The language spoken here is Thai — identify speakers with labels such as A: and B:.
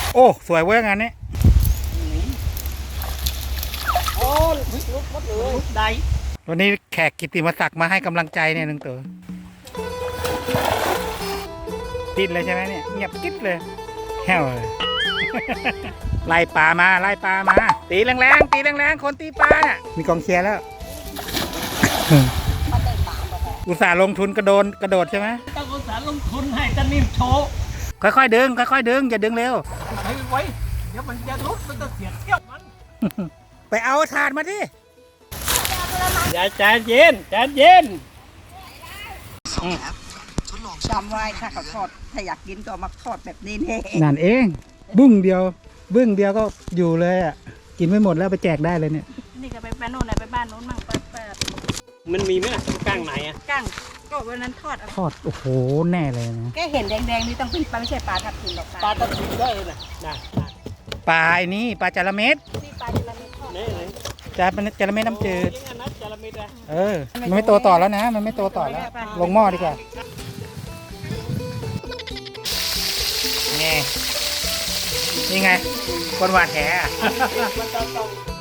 A: โอ้สวยเว้ยงานนี้
B: โอ้ลุกหมดเลยลุกได้
A: วันนี้แขกกิตติมศักดิ์มาให้กำลังใจเนี่ยนึงตัวติดเลยใช่ไหมเนี่ยเงียบกิ๊บเลยแห้วเลย ไล่ปลามาไล่ปลามาตีแรงๆตีแรงๆคนตีปลาเนี่ยมีกองเชียร์แล้ว อุตส่าห์ลงทุนกระโดดใช่ไหม
B: ต้องอุตส่าห์ลงทุนให้ตะนิ่มโชว์
A: ค่อยๆดึงค่อยๆดึงอย่าดึงเร็ว
B: ไว้เดี๋ยวมันจะลุกมันจะเสียเกี้ยวมัน
A: ไปเอาถาดมาดิ
B: อย่าใจเย็นใจเย็น
C: จำไว้ถ้าเขาทอดถ้าอยากกินก็มาทอดแบบนี้นี่
A: นั่นเองบึ้งเดียวก็อยู่เลยอ่ะกินไม่หมดแล้วไปแจกได้เลยเนี่ย
C: นี่ก็ไปบ้านโน้นไปบ้านโน้นมั่งไป
B: มันมีไหมล่ะก้างไหนอ่ะ
C: ก้างก็วันนั้นทอด
A: โอ้โหแน่เลยนะ
C: แกเห็นแดงๆนี่ต้องเป็นปลาไม่ใช่ปลาทับทิมหรอก
B: ปลาทับทิมได้เลยนะ
A: ปลาไอ้นี่ปลาจระเม็ด
C: นี่ปลาจระเม็ดทอด
B: นี่เลย
A: จระเม็ดน้ำจืด
B: เออ
A: มันไม่โตต่อแล้วนะมันไม่โตต่อแล้วลงหม้อดีกว่านี่ไงคนหวานแห